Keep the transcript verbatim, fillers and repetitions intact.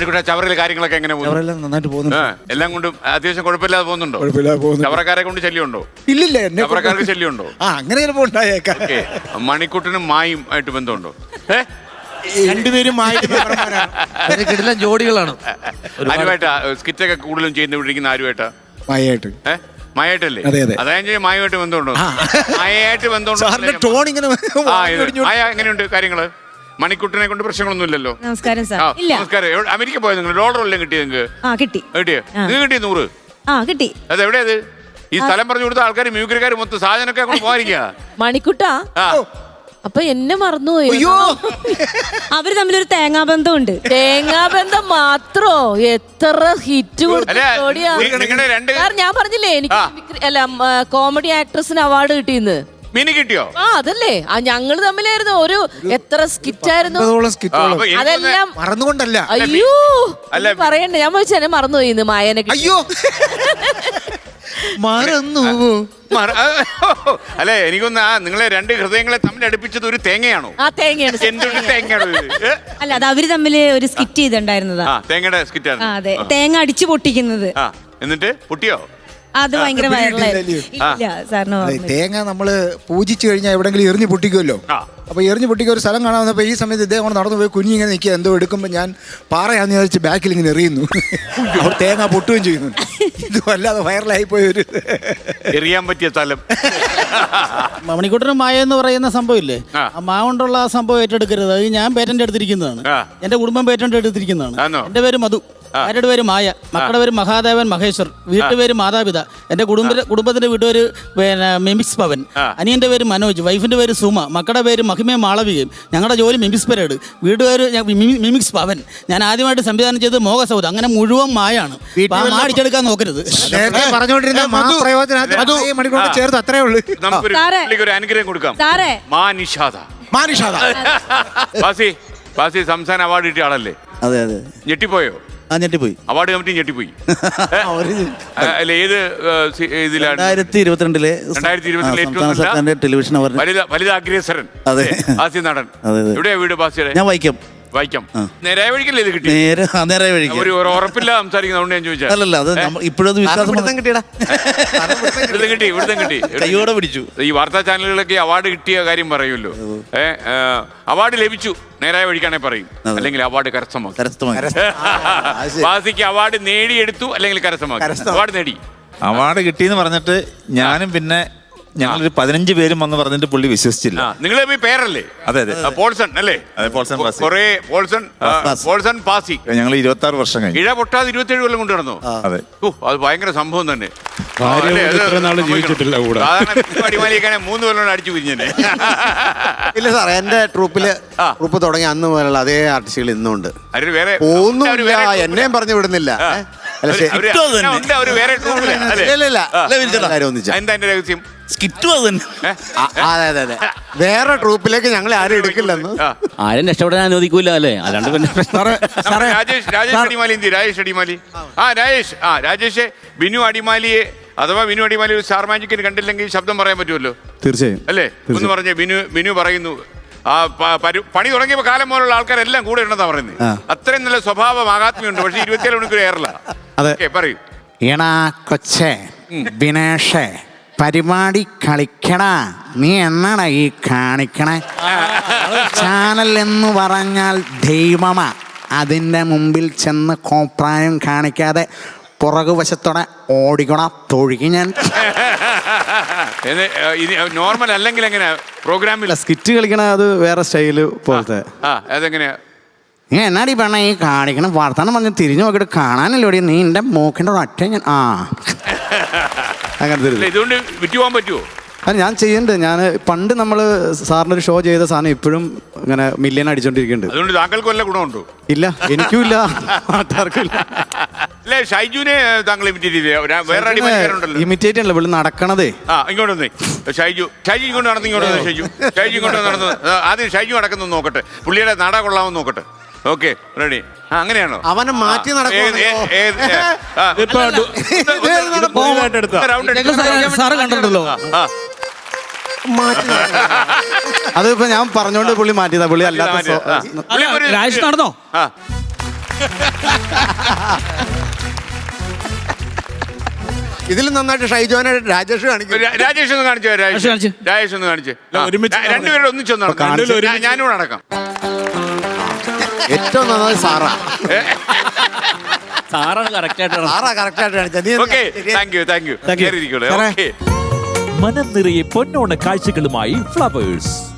മണിക്കൂട്ട ചവറയിലെ കാര്യങ്ങളൊക്കെ എങ്ങനെ പോകുന്നു? നന്നായിട്ട് പോകുന്നു. എല്ലാം കൊണ്ടും അത്യാവശ്യം കുഴപ്പമില്ലാതെ പോകുന്നുണ്ടോ? ചവറക്കാരെ കൊണ്ട് ശല്യമുണ്ടോ? ഇല്ലില്ല, ചവറക്കാർക്ക് ശല്യമുണ്ടോ? ആ അങ്ങനെ ചിലപ്പോ ഉണ്ടായേക്കാം. മണിക്കൂട്ടിനും മായും ആയിട്ട് ബന്ധമുണ്ടോ? രണ്ടുപേരും കിടിലൻ ജോഡികളാണ്. ആരുമായിട്ടാ സ്കിറ്റൊക്കെ കൂടുതലും ചെയ്യുന്ന ആരുമായിട്ടാ? മായായിട്ട്. ഏഹ് മായായിട്ടല്ലേ? അതായത് മായുമായിട്ട് ബന്ധമുണ്ടോ? മായായിട്ട് ബന്ധമുണ്ടോ? ടോൺ ഇങ്ങനെ മായ എങ്ങനെയുണ്ട് കാര്യങ്ങള്? മണിക്കുട്ടിനെ കൊണ്ട് പ്രശ്നങ്ങളൊന്നും ഇല്ലല്ലോ. നമസ്കാരം സാർ. നമസ്കാരം. അമേരിക്ക പോയത് നിങ്ങൾ? ഡോളർ എല്ലാം കിട്ടി നിങ്ങൾക്ക്? കിട്ടി. കിട്ടിയോ? നിങ്ങൾക്ക് കിട്ടിയ നൂറ്? ആ കിട്ടി. അത് എവിടെയത്? ഈ സ്ഥലം പറഞ്ഞു കൊടുത്ത ആൾക്കാർ മ്യൂക്രിക്കാർ മൊത്തം സാധനമൊക്കെ അങ്ങോട്ട് പോയിരിക്കുക. മണിക്കുട്ടാ അപ്പൊ എന്നെ മറന്നുപോയി. അയ്യോ, അവര് തമ്മിലൊരു തേങ്ങാബന്ധമുണ്ട്. തേങ്ങാബന്ധം മാത്രോ? എത്ര ഹിറ്റ് ഞാൻ പറഞ്ഞില്ലേ എനിക്ക് അല്ല കോമഡി ആക്ട്രസിന് അവാർഡ് കിട്ടിയെന്ന്. മിനി കിട്ടിയോ? ആ അതല്ലേ, ആ ഞങ്ങള് തമ്മിലായിരുന്നു. ഒരു എത്ര സ്കിറ്റ് ആയിരുന്നു അതെല്ലാം മറന്നുകൊണ്ടല്ല. അയ്യോ പറയണ്ട, ഞാൻ ചോദിച്ചാൽ മറന്നുപോയി ഇന്ന് മായനെ. അയ്യോ മറന്നു. അല്ലെ എനിക്കൊന്ന് ആ നിങ്ങളെ രണ്ട് ഹൃദയങ്ങളെ തമ്മിൽ അടുപ്പിച്ചത് ഒരു തേങ്ങയാണോ? ആ തേങ്ങയാണ്. എന്തൊരു തേങ്ങയാണോ ഇത്? അല്ല, അത് അവര് തമ്മില് ഒരു സ്കിറ്റ് ചെയ്തിട്ടുണ്ടായിരുന്നതാ. തേങ്ങയുടെ സ്കിറ്റ്. അതെ, തേങ്ങ അടിച്ചു പൊട്ടിക്കുന്നത്. എന്നിട്ട് പൊട്ടിയോ? അത് ഭയങ്കര തേങ്ങ നമ്മള് പൂജിച്ചു കഴിഞ്ഞാൽ എവിടെങ്കിലും എറിഞ്ഞു പൊട്ടിക്കുമല്ലോ. അപ്പൊ എറിഞ്ഞു പൊട്ടിക്കുക ഒരു സ്ഥലം കാണാൻ വന്നപ്പോ ഈ സമയത്ത് ഇദ്ദേഹം നടന്നു പോയി കുഞ്ഞി ഇങ്ങനെ നിൽക്കുക. എന്തോ എടുക്കുമ്പോ ഞാൻ പാറയാന്ന് വിചാരിച്ച് ബാക്കിൽ ഇങ്ങനെ എറിയുന്നു. അവർ തേങ്ങ പൊട്ടുകയും ചെയ്യുന്നു. ഇത് വല്ലാതെ വൈറലായി പോയി. ഒരു എറിയാൻ പറ്റിയ സ്ഥലം. മണിക്കൂട്ടനും മായ എന്ന് പറയുന്ന സംഭവം ഇല്ലേ, ആ മാ കൊണ്ടുള്ള ആ സംഭവം ഏറ്റെടുക്കരുത്. അത് ഞാൻ പേറ്റന്റ് എടുത്തിരിക്കുന്നതാണ്. എന്റെ കുടുംബം പേറ്റന്റ് എടുത്തിരിക്കുന്നതാണ്. എന്റെ പേര് മധു, ആരുടെ പേര് മായ, മക്കളുടെ പേര് മഹാദേവൻ മഹേശ്വർ, വീട്ടുപേര് മാതാപിത, എന്റെ കുടുംബ കുടുംബത്തിന്റെ വീട്ടുപേര് പിന്നെ മിമിക്സ് പവൻ, അനിയന്റെ പേര് മനോജ്, വൈഫിന്റെ പേര് സുമ, മക്കളുടെ പേര് മഹിമയും മാളവികയും, ഞങ്ങളുടെ ജോലി മിമിക്സ് പരേഡ്, വീട്ടുപേര് മിമിക്സ് പവൻ. ഞാൻ ആദ്യമായിട്ട് സംവിധാനം ചെയ്തത് മോഹസൗദ്. അങ്ങനെ മുഴുവൻ മായാണ്. അടിച്ചെടുക്കാൻ നോക്കരുത്. ചേർത്ത് അത്രേ ഉള്ളൂ. നമുക്കൊരു അനുഗ്രഹം കൊടുക്കാം. സംസ്ഥാന അവാർഡ് കിട്ടിയ ആളല്ലേ? അതെ അതെ. ഞെട്ടിപ്പോയോ? ആ ഞെട്ടിപ്പോയി. അവാർഡ് കമ്മിറ്റി ഞെട്ടിപ്പോയി. അല്ല, ഏത് ഇതിലാണ്? രണ്ടായിരത്തി ഇരുപത്തിരണ്ടിലെ രണ്ടായിരത്തി ഇരുപത്തിരണ്ടിലെ ഏറ്റവും ടെലിവിഷൻ വലുതാഗ്രേസരൻ ബാസി നടൻ. എവിടെയാ വീട് ബാസിയുടെ? ഞാൻ വൈക്കം. വായിക്കാം. നേരായ വഴിക്കല്ലേ ഇത് കിട്ടി? നേരായ വഴിക്ക്. ഒരു ഉറപ്പില്ല സംസാരിക്കുന്നതുകൊണ്ട് ഞാൻ ചോദിച്ചാൽ. അല്ലല്ല, അത് ഇപ്പോഴത് വിശ്വാസം കിട്ടിയടാ. ഇവിടുത്തെ കിട്ടി, ഇവിടുത്തെ കിട്ടി. കയ്യോടെ പിടിച്ചു. ഈ വാർത്താ ചാനലുകളൊക്കെ അവാർഡ് കിട്ടിയ കാര്യം പറയുമല്ലോ. ഏഹ് അവാർഡ് ലഭിച്ചു നേരായ വഴിക്കാണെ പറയും, അല്ലെങ്കിൽ അവാർഡ് കരസ്ഥമാക്കി. ബാസിക്ക് അവാർഡ് നേടിയെടുത്തു അല്ലെങ്കിൽ കരസ്ഥമാക്കി. അവാർഡ് നേടി, അവാർഡ് കിട്ടിയെന്ന് പറഞ്ഞിട്ട് ഞാനും പിന്നെ ഞങ്ങളൊരു പതിനഞ്ച് പേരും വന്ന് പറഞ്ഞിട്ട് പുള്ളി വിശ്വസിച്ചില്ല. നിങ്ങൾ പേരല്ലേ? അതെ അതെ, പോൾസൺ അല്ലേ? പോൾസൺ പാസി. കുറേ പോൾസൺ പോൾസൺ പാസി. ഞങ്ങൾ ഇരുപത്തി ആറ് വർഷം കഴിഞ്ഞു. ഇഴ പൊട്ടാതെ ഇരുപത്തി ഏഴ് കൊല്ലം കൊണ്ട് നടന്നു. അതെ. ഓ, അത് ഭയങ്കര സംഭവം തന്നെ. അടിമാലിയൊക്കെ മൂന്ന് കൊല്ലം അടിച്ചു പിരിഞ്ഞേ. ഇല്ല സാർ, എന്റെ ട്രൂപ്പില് ട്രൂപ്പ് തുടങ്ങി അന്ന് മുതലുള്ള അതേ ആർട്ടിസ്റ്റുകൾ ഇന്നുണ്ട്. വേറെ ഒന്നുമില്ല, എന്നെയും പറഞ്ഞു വിടുന്നില്ല. രഹസ്യം അതെ അതെ, വേറെ ട്രൂപ്പിലേക്ക് ഞങ്ങൾ ആരും എടുക്കില്ലെന്ന്. ആരും രക്ഷപ്പെടാൻ അനുവദിക്കൂല അല്ലേ? അല്ലാണ്ട് പിന്നെ രാജേഷ് രാജേഷ് അടിമാലി എന്തി? രാജേഷ് അടിമാലി. ആ രാജേഷ് ആ രാജേഷ് ബിനു അടിമാലിയെ അഥവാ ബിനു അടിമാലി ഒരു സ്റ്റാർ മാജിക്കിന് കണ്ടില്ലെങ്കിൽ ശബ്ദം പറയാൻ പറ്റുമല്ലോ. തീർച്ചയായും അല്ലേ? ഒന്ന് പറഞ്ഞേ. ബിനു ബിനു പറയുന്നു ആ പണി തുടങ്ങിയപ്പോ കാലം പോലുള്ള ആൾക്കാരെല്ലാം കൂടെ ഉണ്ടെന്നാ പറയുന്നത്. അത്രയും നല്ല സ്വഭാവ മഹാത്മ്യമുണ്ട്. പക്ഷെ ഇരുപത്തിയേഴ് മണിക്കൂർ ഏറല. പറയൂ. എടാ കൊച്ചേ ബിനേഷേ, പരിപാടി കളിക്കടാ, നീ എന്നാടാ ഈ കാണിക്കണേ? ചാനൽ എന്ന് പറഞ്ഞാൽ ദൈവമാ. അതിൻ്റെ മുമ്പിൽ ചെന്ന് കോപ്രായം കാണിക്കാതെ പുറകുവശത്തോടെ ഓടിക്കണ തൊഴുകി ഞാൻ. നോർമൽ അല്ലെങ്കിൽ എങ്ങനെയാ പ്രോഗ്രാമിൽ സ്കിറ്റ് കളിക്കണ? അത് വേറെ സ്റ്റൈല് പോലത്തെ. അതെങ്ങനെയാ? നീ എന്നാടി പറഞ്ഞ ഈ കാണിക്കണം? വർത്താനം പറഞ്ഞ് തിരിഞ്ഞു നോക്കിയിട്ട് കാണാനല്ലോടി നീ എൻ്റെ മൂക്കിൻ്റെ ഒറ്റ ഞാൻ. ആ അങ്ങനത്തെ ഇതുകൊണ്ട് വിറ്റ് പോകാൻ പറ്റുമോ? അത് ഞാൻ ചെയ്യുന്നുണ്ട്. ഞാൻ പണ്ട് നമ്മൾ സാറിനൊരു ഷോ ചെയ്ത സാധനം ഇപ്പോഴും ഇങ്ങനെ മില്യൺ അടിച്ചോണ്ടിരിക്കുന്നുണ്ട്. അതുകൊണ്ട് താങ്കൾക്ക് വല്ല ഗുണമുണ്ടോ? ഇല്ല, എനിക്കും ഇല്ല, നാട്ടുകാർക്കും ഇല്ല. അല്ലേ, ഷൈജുവിനെ താങ്കൾ ഇമിറ്റേറ്റ് ചെയ്തേ? വേറെ അടിമാലിക്കാരുണ്ടല്ലോ. ഇമിറ്റേറ്റ് അല്ല, ഇവിടെ നടക്കണതേ. ആ ഇങ്ങോട്ട് വന്നേ ഷൈജു. ഷൈജു ഇങ്ങോട്ട് നടന്നു. ഇങ്ങോട്ട് വന്നേ ഷൈജു. ഷൈജു ഇങ്ങോട്ട് നടന്നു. ആദ്യം ഷൈജു നടക്കുന്നു നോക്കട്ടെ, പുള്ളിയുടെ നട കൊള്ളാമെന്ന് നോക്കട്ടെ. Okay, ready. ആ അങ്ങനെയാണോ? അവനെ മാറ്റി നടക്കും. അതിപ്പോ ഞാൻ പറഞ്ഞോണ്ട് പുള്ളി മാറ്റിയതാ. പുള്ളി അല്ലാത്ത രാജേഷ് നടന്നോ? ഇതിൽ നന്നായിട്ട് ഷൈജോനെ രാജേഷ് കാണിക്കും. രാ- രാജേഷ് ഒന്ന് കാണിച്ചു രാജേഷ് കാണിച്ച്. രാജേഷ് ഒന്ന് കാണിച്ച് ഒരുമിച്ച് രണ്ടുപേരും ഒന്നിച്ചൊന്ന് നടക്കാം. ഞാനും കൂടെ നടക്കാം. ഏറ്റവും നന്നായി സാറാ സാറാണ് കറക്റ്റ് ആയിട്ട് സാറാ കറക്റ്റ് ആയിട്ട് കാണിച്ചത്. നീ ഓക്കെ ശരിയാ. Thank you thank you Thank you. കയറിയിരിക്കോളൂ. സാറേ. ഓക്കെ മനം നിറയെ പൊന്നോണ കാഴ്ചകളുമായി ഫ്ലവേഴ്സ്.